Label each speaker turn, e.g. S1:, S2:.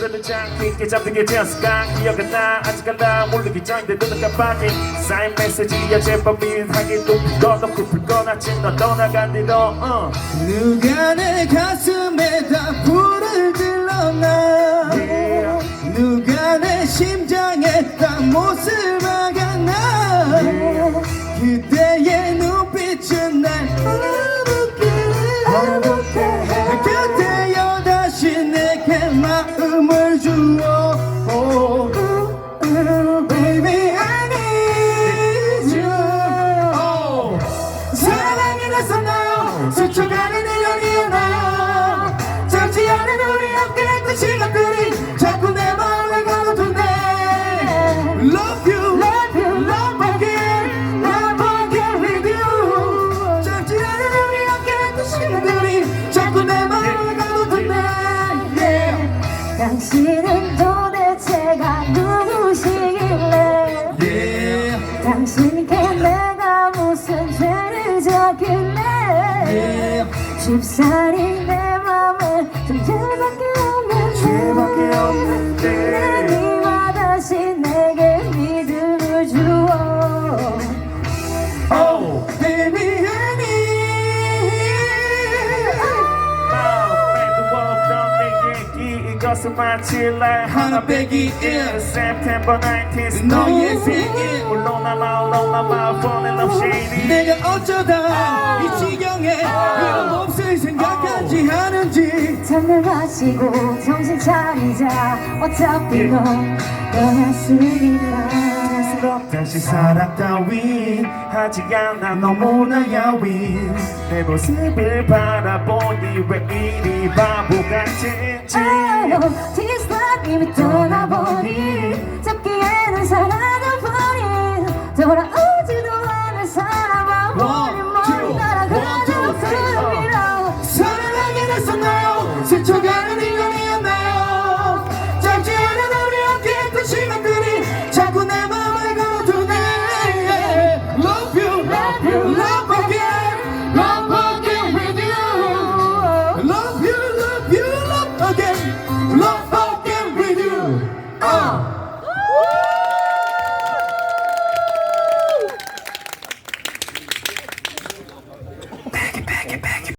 S1: 그래도 짱 깊게 잠든 게 되었을까 기억은 나 아직 알아 모르기 전인데 눈은 깜빡이 쌓인 메시지야 제법 미흡하게 또 꺼놓고 불꺼놨지 너 떠나간 뒤로
S2: 누가 내 가슴에다 불을 질렀나 누가 내 심장에다 못을 박았나 그대의 눈빛은 날 화목해 그대여 다시 내게 마음을 주어 Baby I need you 사랑이 났었나요 스쳐가는 1년이었나요 잠시 않은 우리 함께했던 시간들이 자꾸 내 마음을 가로두네 Love you, love you, love again, love again with you 잠시 않은 우리 함께했던 시간들이 자꾸 내 마음을 가로두네 yeah.
S3: 당신은 도대체가 누구시길래
S2: Yeah.
S3: 당신께 내가 무슨 죄를 졌길래 쉽사리 내 맘에 좀 죄밖에 없는데 네가 다시 내게 믿음을 주어
S2: Oh, baby I need
S1: 이것은 마치 날
S2: 하나 빼기 1
S1: September 19th
S2: 너의 생일
S1: 물론 나만 falling love shady
S2: 내가 어쩌다 이 지경에 이런 몹쓸 생각까지 하는지
S3: 잠을 마시고 정신 차리자 어차피 넌 떠났으니까
S1: 다시 사랑 따윈 하지 않아 너무나 야윈 내 모습을 바라보니 왜 이리 바보 같은지
S3: This life 이미 떠나보니 잡기에는 사라져버린 돌아오지도 않을 사람아 버린 머리 날아가는 구름이라
S2: 사랑하게 됐었나요 스쳐가는 1년이었나요 짧지 않은 우리 함께했던 시간들이 자꾸 내 맘을 가로두네 Love you, love you, love again, love again with you Love you, love you, love again, love again with you